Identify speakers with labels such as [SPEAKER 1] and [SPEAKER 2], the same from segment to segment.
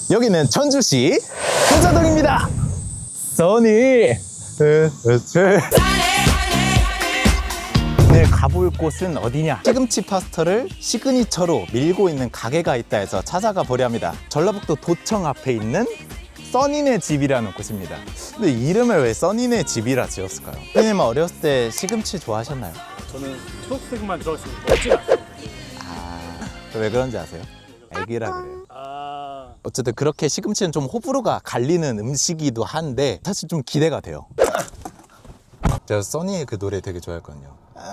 [SPEAKER 1] 여기는 전주시 hun자동입니다. 써니. 오늘 가볼 곳은 어디냐? 시금치 파스타를 시그니처로 밀고 있는 가게가 있다 해서 찾아가 보려 합니다. 전라북도 도청 앞에 있는 써니네 집이라는 곳입니다. 근데 이름을 왜 써니네 집이라 지었을까요? 선생님은 어렸을 때 시금치 좋아하셨나요?
[SPEAKER 2] 저는 초록색만 들어갔으면 먹지 않아요.
[SPEAKER 1] 왜 그런지 아세요? 애기라 그래요.
[SPEAKER 2] 아,
[SPEAKER 1] 어쨌든 그렇게 시금치는 좀 호불호가 갈리는 음식이기도 한데 사실 좀 기대가 돼요. 제가 써니의 그 노래 되게 좋아했거든요.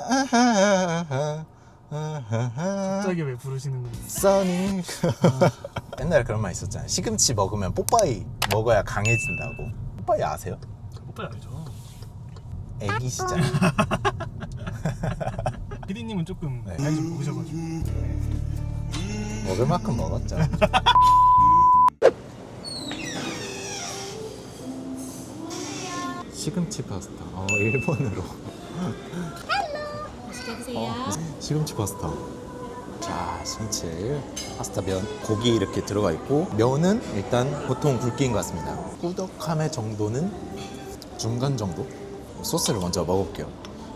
[SPEAKER 2] 갑자기 왜 부르시는 거예요?
[SPEAKER 1] 써니. 옛날에 그런 말 있었잖아요. 시금치 먹으면 뽀빠이 먹어야 강해진다고. 뽀빠이 아세요?
[SPEAKER 2] 오빠 알죠?
[SPEAKER 1] 애기 시절.
[SPEAKER 2] 피디님은 조금
[SPEAKER 1] 네.
[SPEAKER 2] 나이 좀 먹으셔가지고.
[SPEAKER 1] 먹을 만큼 먹었죠. 시금치 파스타. 일본어로.
[SPEAKER 3] 맛있게 드세요.
[SPEAKER 1] 시금치 파스타. 자, 시금치 파스타 면, 고기 이렇게 들어가 있고 면은 일단 보통 굵기인 것 같습니다. 꾸덕함의 정도는 중간 정도? 소스를 먼저 먹어볼게요.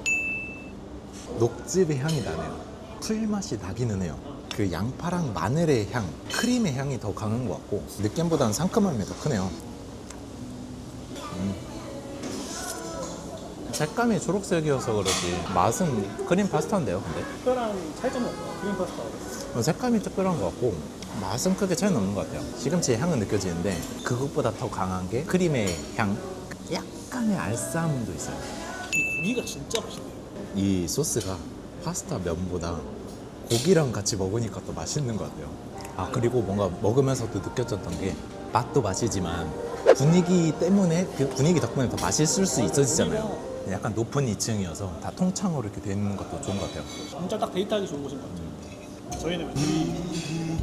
[SPEAKER 1] 녹즙의 향이 나네요. 풀 맛이 나기는 해요. 그 양파랑 마늘의 향, 크림의 향이 더 강한 것 같고 느낌보다는 상큼함이 더 크네요. 색감이 초록색이어서 그렇지 맛은 크림 파스타인데요. 근데
[SPEAKER 2] 특별한 차이점은 없어요. 크림 파스타.
[SPEAKER 1] 색감이 특별한 것 같고 맛은 크게 차이는 없는 것 같아요. 시금치의 향은 느껴지는데 그것보다 더 강한 게 크림의 향, 약간의 알싸함도 있어요.
[SPEAKER 2] 이 고기가 진짜 맛있네요.
[SPEAKER 1] 이 소스가 파스타 면보다 고기랑 같이 먹으니까 더 맛있는 것 같아요. 아, 그리고 뭔가 먹으면서도 느껴졌던 게 맛도 맛이지만 분위기 때문에, 그 분위기 덕분에 더 맛있을 수 있어지잖아요. 약간 높은 2층이어서 다 통창으로 이렇게 돼 있는 것도 좋은 것 같아요.
[SPEAKER 2] 진짜 딱 데이트하기 좋은 곳인 것 같아요. 저희는 둘이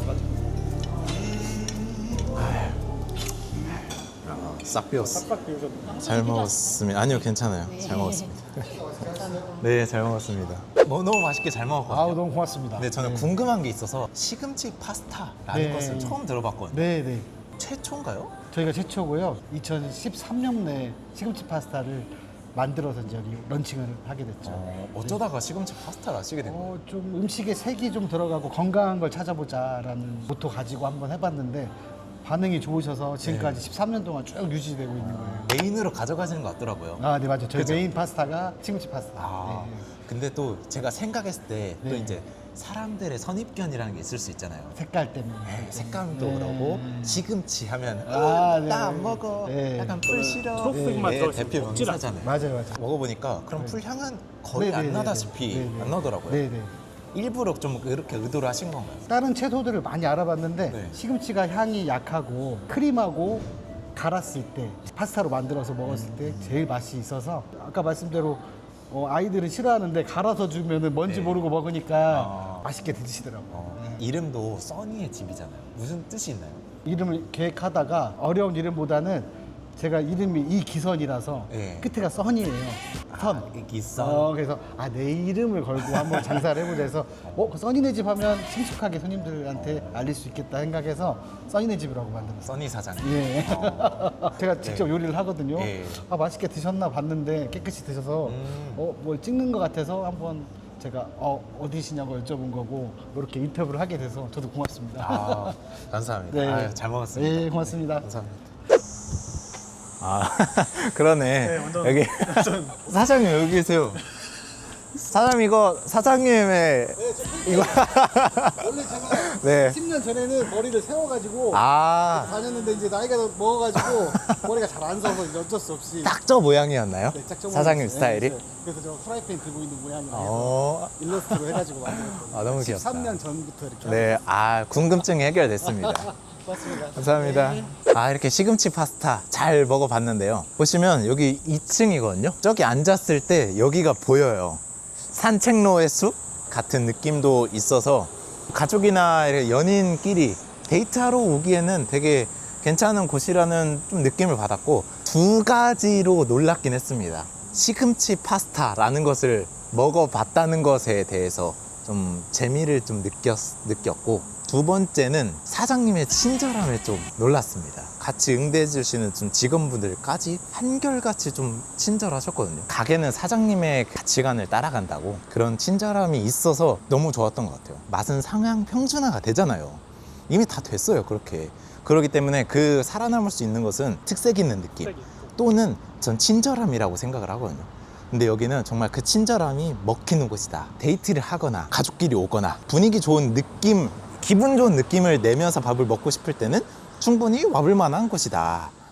[SPEAKER 1] 싹 비웠어.
[SPEAKER 2] 싹싹 비우셨네요.
[SPEAKER 1] 잘 먹었습니다. 아니요, 괜찮아요. 잘 먹었습니다. 네, 잘 먹었습니다. 너무 맛있게 잘 먹었거든요.
[SPEAKER 4] 아우 너무 고맙습니다.
[SPEAKER 1] 근데 저는 궁금한 게 있어서 시금치 파스타라는
[SPEAKER 4] 네.
[SPEAKER 1] 것을 처음 들어봤거든요.
[SPEAKER 4] 네네.
[SPEAKER 1] 최초인가요?
[SPEAKER 4] 저희가 최초고요. 2013년에 시금치 파스타를 만들어서 이제 여기 런칭을 하게 됐죠.
[SPEAKER 1] 어쩌다가 시금치 파스타를 하시게 된 거예요?
[SPEAKER 4] 좀 음식에 색이 좀 들어가고 건강한 걸 찾아보자라는 모토 가지고 한번 해봤는데 반응이 좋으셔서 지금까지 13년 동안 쭉 유지되고 있는 거예요.
[SPEAKER 1] 메인으로 가져가시는 것 같더라고요.
[SPEAKER 4] 아, 네 맞아요. 저희
[SPEAKER 1] 그죠?
[SPEAKER 4] 메인 파스타가 시금치 파스타.
[SPEAKER 1] 아,
[SPEAKER 4] 네.
[SPEAKER 1] 근데 또 제가 생각했을 때 또
[SPEAKER 4] 네.
[SPEAKER 1] 이제 사람들의 선입견이라는 게 있을 수 있잖아요.
[SPEAKER 4] 색깔 때문에.
[SPEAKER 1] 네, 색감도
[SPEAKER 4] 네.
[SPEAKER 1] 그러고 시금치 하면
[SPEAKER 4] 아, 네.
[SPEAKER 1] 나 안 먹어.
[SPEAKER 4] 네.
[SPEAKER 1] 약간 풀 싫어.
[SPEAKER 2] 초록색만
[SPEAKER 1] 네,
[SPEAKER 2] 들어있으면
[SPEAKER 1] 대표
[SPEAKER 2] 먹질
[SPEAKER 1] 명사잖아요.
[SPEAKER 4] 맞아요.
[SPEAKER 1] 먹어보니까 그럼 풀 향은 거의
[SPEAKER 4] 네,
[SPEAKER 1] 안
[SPEAKER 4] 네, 네,
[SPEAKER 1] 나다시피
[SPEAKER 4] 네, 네.
[SPEAKER 1] 안 나더라고요.
[SPEAKER 4] 네네.
[SPEAKER 1] 일부러 좀 그렇게 의도를 하신 건가요?
[SPEAKER 4] 다른 채소들을 많이 알아봤는데
[SPEAKER 1] 네.
[SPEAKER 4] 시금치가 향이 약하고 크림하고 갈았을 때 파스타로 만들어서 먹었을 때 제일 맛이 있어서 아까 말씀대로 아이들은 싫어하는데 갈아서 주면은 뭔지
[SPEAKER 1] 네.
[SPEAKER 4] 모르고 먹으니까 맛있게 드시더라고요.
[SPEAKER 1] 이름도 써니의 집이잖아요. 무슨 뜻이 있나요?
[SPEAKER 4] 이름을 계획하다가 어려운 이름보다는 제가 이름이 이기선이라서
[SPEAKER 1] 네.
[SPEAKER 4] 끝에가 선이에요. 선.
[SPEAKER 1] 기선.
[SPEAKER 4] 그래서 내 이름을 걸고 한번 장사를 해보자 해서 그 써니네 집 하면 친숙하게 손님들한테 알릴 수 있겠다 생각해서 써니네 집이라고 만들었어요.
[SPEAKER 1] 써니 사장.
[SPEAKER 4] 예. 제가 직접 요리를 하거든요.
[SPEAKER 1] 예.
[SPEAKER 4] 맛있게 드셨나 봤는데 깨끗이 드셔서 뭘 찍는 것 같아서 한번 제가 어디시냐고 여쭤본 거고 이렇게 인터뷰를 하게 돼서 저도 고맙습니다.
[SPEAKER 1] 감사합니다.
[SPEAKER 4] 네.
[SPEAKER 1] 아유, 잘 먹었습니다.
[SPEAKER 4] 네, 고맙습니다.
[SPEAKER 1] 감사합니다. 그러네.
[SPEAKER 2] 네, 완전-
[SPEAKER 1] 여기 사장님 여기 계세요. 사장님 이거 사장님의 이거
[SPEAKER 4] 원래 제가
[SPEAKER 1] 네.
[SPEAKER 4] 10년 전에는 머리를 세워가지고 다녔는데 이제 나이가 먹어가지고 머리가 잘 안 서서 이제 어쩔 수 없이
[SPEAKER 1] 딱 저 모양이었나요?
[SPEAKER 4] 네, 짝퉁
[SPEAKER 1] 사장님
[SPEAKER 4] 모양이었어요.
[SPEAKER 1] 스타일이?
[SPEAKER 4] 네, 그래서 저 프라이팬 들고 있는 모양이라 해서
[SPEAKER 1] 어.
[SPEAKER 4] 일러스트로 해가지고 만들었거든요.
[SPEAKER 1] 너무 귀엽다.
[SPEAKER 4] 13년 전부터 이렇게
[SPEAKER 1] 네, 궁금증이 해결됐습니다.
[SPEAKER 4] 고맙습니다.
[SPEAKER 1] 감사합니다. 이렇게 시금치 파스타 잘 먹어봤는데요. 보시면 여기 2층이거든요. 저기 앉았을 때 여기가 보여요. 산책로의 숲 같은 느낌도 있어서 가족이나 연인끼리 데이트하러 오기에는 되게 괜찮은 곳이라는 좀 느낌을 받았고 두 가지로 놀랍긴 했습니다. 시금치 파스타라는 것을 먹어봤다는 것에 대해서 좀 재미를 좀 느꼈고 두 번째는 사장님의 친절함에 좀 놀랐습니다. 같이 응대해 주시는 좀 직원분들까지 한결같이 좀 친절하셨거든요. 가게는 사장님의 가치관을 따라간다고 그런 친절함이 있어서 너무 좋았던 것 같아요. 맛은 상향 평준화가 되잖아요. 이미 다 됐어요, 그렇게. 그렇기 때문에 그 살아남을 수 있는 것은 특색 있는 느낌 또는 전 친절함이라고 생각을 하거든요. 근데 여기는 정말 그 친절함이 먹히는 곳이다. 데이트를 하거나 가족끼리 오거나 분위기 좋은 느낌, 기분 좋은 느낌을 내면서 밥을 먹고 싶을 때는 충분히 와볼 만한 곳이다.